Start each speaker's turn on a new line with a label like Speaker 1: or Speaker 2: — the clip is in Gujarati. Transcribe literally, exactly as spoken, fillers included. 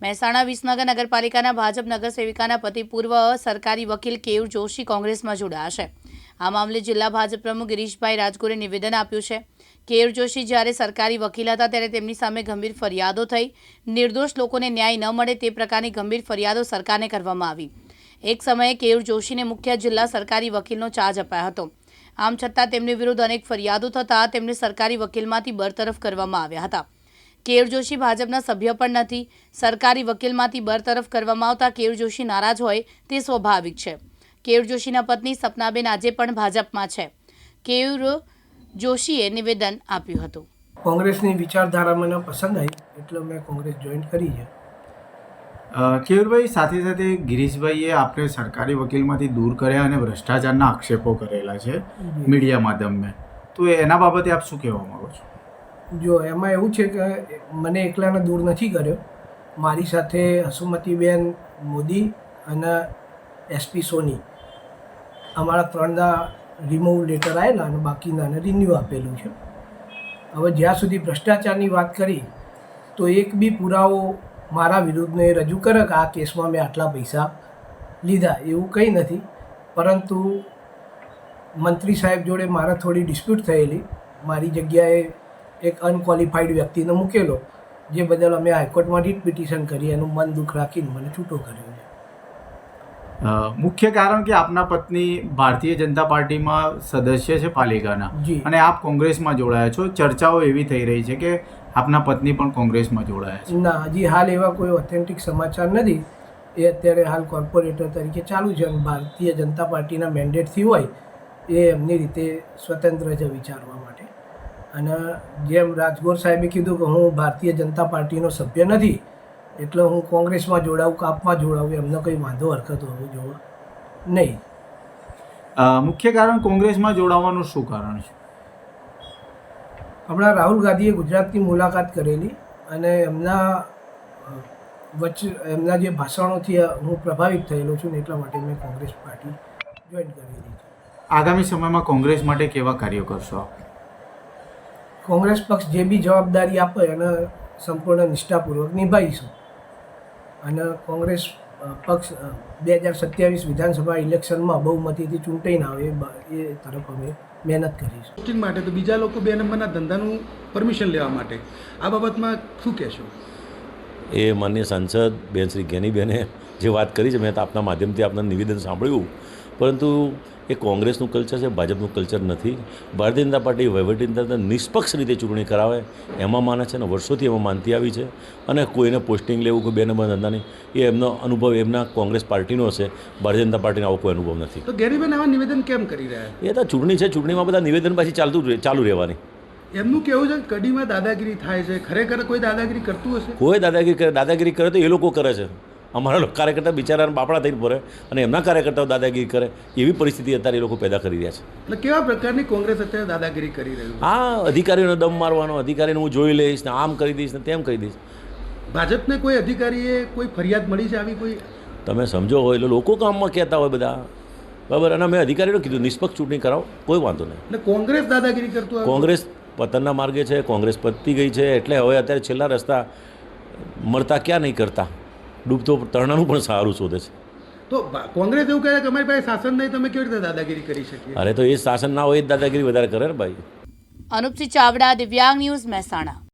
Speaker 1: મહેસાણા વિસનગર નગરપાલિકાના ભાજપ નગર સેવિકાના પતિ પૂર્વ સરકારી વકીલ કેયુર જોશી કોંગ્રેસમાં જોડાયા છે। આ મામલે જિલ્લા ભાજપ પ્રમુખ ગિરીશભાઈ રાજગોરે નિવેદન આપ્યું છે। કેયુર જોશી જ્યારે સરકારી વકીલ હતા ત્યારે તેમની સામે ગંભીર ફરિયાદો થઈ। નિર્દોષ લોકોને ન્યાય ન મળે તે પ્રકારની ગંભીર ફરિયાદો સરકારને કરવામાં આવી। એક સમયે કેયુર જોશીને મુખ્ય જિલ્લા સરકારી વકીલનો ચાર્જ અપાયો હતો। આમ છતાં તેમની વિરુદ્ધ અનેક ફરિયાદો થતાં તેમને સરકારી વકીલમાંથી બરતરફ કરવામાં આવ્યા હતા। કેયુર જોશી ભાજપના સભ્ય પણ નથી। સરકારી વકીલમાંથી બરતરફ કરવામાં આવતા કેયુર જોશી નારાજ હોય તે સ્વાભાવિક છે। કેયુર જોશીના પત્ની સપનાબેન આજે પણ ભાજપમાં છે। કેયુર જોશીએ નિવેદન આપ્યું હતું।
Speaker 2: કોંગ્રેસની વિચારધારા મને પસંદ આવી એટલે મેં કોંગ્રેસ જોઈન કરી છે।
Speaker 3: કેયુરભાઈ, સાથે સાથે ગિરીશભાઈએ આપણે સરકારી વકીલમાંથી દૂર કર્યા અને ભ્રષ્ટાચારના આક્ષેપો કરેલા છે મીડિયા માધ્યમે, તો એના બાબતે આપ શું કહેવા માગો છો?
Speaker 2: જો એમાં એવું છે કે મને એકલાને દૂર નથી કર્યો, મારી સાથે હસુમતીબેન મોદી અને એસપી સોની અમારા ત્રણના રિમૂવ લેટર આવેલા અને બાકીનાને રિન્યુ આપેલું છે। હવે જ્યાં સુધી ભ્રષ્ટાચારની વાત કરી તો એક બી પુરાવો મારા વિરુદ્ધને રજૂ કરે કે આ કેસમાં મેં આટલા પૈસા લીધા એવું કંઈ નથી, પરંતુ મંત્રી સાહેબ જોડે મારે થોડી ડિસ્પ્યુટ થયેલી, મારી જગ્યાએ એક અનક્વોલિફાઈડ વ્યક્તિને મૂકેલો, જે બદલ અમે હાઈકોર્ટમાં રીટ પિટિશન કરી, એનું મન દુઃખ રાખીને મને છૂટો કર્યો છે।
Speaker 3: મુખ્ય કારણ કે આપના પત્ની ભારતીય જનતા પાર્ટીમાં સદસ્ય છે પાલિકાના,
Speaker 2: જી,
Speaker 3: અને આપ કોંગ્રેસમાં જોડાયા છો। ચર્ચાઓ એવી થઈ રહી છે કે આપના પત્ની પણ કોંગ્રેસમાં જોડાયા છે।
Speaker 2: ના, હજી હાલ એવા કોઈ ઓથેન્ટિક સમાચાર નથી। એ અત્યારે હાલ કોર્પોરેટર તરીકે ચાલુ છે અને ભારતીય જનતા પાર્ટીના મેન્ડેટથી હોય એ એમની રીતે સ્વતંત્ર છે વિચારવા માટે। અને જેમ રાજગોર સાહેબે કીધું કે હું ભારતીય જનતા પાર્ટીનો સભ્ય નથી એટલે હું કોંગ્રેસમાં જોડાવું કે આપમાં જોડાવું એમને કંઈ વાંધો હરકત હોવો જોવા નહીં।
Speaker 3: મુખ્ય કારણ કોંગ્રેસમાં જોડાવાનું શું કારણ છે?
Speaker 2: હમણાં રાહુલ ગાંધીએ ગુજરાતની મુલાકાત કરેલી અને એમના વચ્ચે એમના જે ભાષણોથી હું પ્રભાવિત થયેલો છું ને એટલા માટે મેં કોંગ્રેસ પાર્ટી જોઈન કરેલી છે।
Speaker 3: આગામી સમયમાં કોંગ્રેસ માટે કેવા કાર્યો કરશો?
Speaker 2: કોંગ્રેસ પક્ષ જે બી જવાબદારી આપે એને સંપૂર્ણ નિષ્ઠાપૂર્વક નિભાવીશું અને કોંગ્રેસ પક્ષ બે હજાર સત્યાવીસ વિધાનસભા ઇલેક્શનમાં બહુમતીથી ચૂંટાઈને આવે એ તરફ અમે મહેનત કરીશું।
Speaker 4: પોસ્ટિંગ માટે તો બીજા લોકો બે નંબરના ધંધાનું પરમિશન લેવા માટે આ બાબતમાં શું કહેશો?
Speaker 5: એ માનનીય સાંસદ બેન શ્રી જ્ઞાનીબેને જે વાત કરી છે મેં તો આપના માધ્યમથી આપના નિવેદન સાંભળ્યું, પરંતુ એ કોંગ્રેસનું કલ્ચર છે, ભાજપનું કલ્ચર નથી। ભારતીય જનતા પાર્ટી વહીવટીતંત્ર નિષ્પક્ષ રીતે ચૂંટણી કરાવે એમાં માને છે અને વર્ષોથી એમાં માનતી આવી છે। અને કોઈને પોસ્ટિંગ લેવું કે બે નંબર ધંધાની એ એમનો અનુભવ એમના કોંગ્રેસ પાર્ટીનો હશે, ભારતીય જનતા પાર્ટીનો આવો કોઈ અનુભવ નથી।
Speaker 4: તો ગેરીબેન આવા નિવેદન કેમ કરી રહ્યા?
Speaker 5: એ તો ચૂંટણી છે, ચૂંટણીમાં બધા નિવેદન પાછી ચાલતું ચાલુ રહેવાની।
Speaker 4: એમનું કેવું છે કડીમાં દાદાગીરી થાય છે, ખરેખર કોઈ દાદાગીરી કરતું હશે?
Speaker 5: કોઈ દાદાગીરી કરે દાદાગીરી કરે તો એ લોકો કરે છે, અમારા કાર્યકર્તા બિચારાને બાપડા થઈને પડે અને એમના કાર્યકર્તાઓ દાદાગીરી કરે એવી પરિસ્થિતિ અત્યારે એ લોકો પેદા કરી રહ્યા છે।
Speaker 4: એટલે કેવા પ્રકારની કોંગ્રેસ અત્યારે દાદાગીરી કરી રહ્યું છે?
Speaker 5: આ અધિકારીઓને દમ મારવાનો, અધિકારીને હું જોઈ લઈશ ને આમ કરી દઈશ ને તેમ કરી દઈશ।
Speaker 4: ભાજપને કોઈ અધિકારીએ કોઈ ફરિયાદ મળી છે આવી કોઈ?
Speaker 5: તમે સમજો હોય એટલે લોકો કામમાં કહેતા હોય બધા, બરાબર, અને મેં અધિકારીઓને કીધું નિષ્પક્ષ ચૂંટણી કરાવો, કોઈ વાંધો નહીં।
Speaker 4: એટલે કોંગ્રેસ દાદાગીરી કરતું?
Speaker 5: કોંગ્રેસ પતનના માર્ગે છે, કોંગ્રેસ પતી ગઈ છે, એટલે હવે અત્યારે છેલ્લા રસ્તા મળતા ક્યાં નહીં કરતા, ડૂબતો તરણાનું પણ સારું શોધે છે।
Speaker 4: તો કોંગ્રેસ એવું કહે કે અમારી પાસે શાસન નહીં, તમે કેવી રીતે દાદાગીરી કરી શકીએ?
Speaker 5: અરે તો એ શાસન ના હોય એ જ દાદાગીરી વધારે કરે ને ભાઈ।
Speaker 1: અનુપસિંહ ચાવડા, દિવ્યાંગ ન્યૂઝ, મહેસાણા।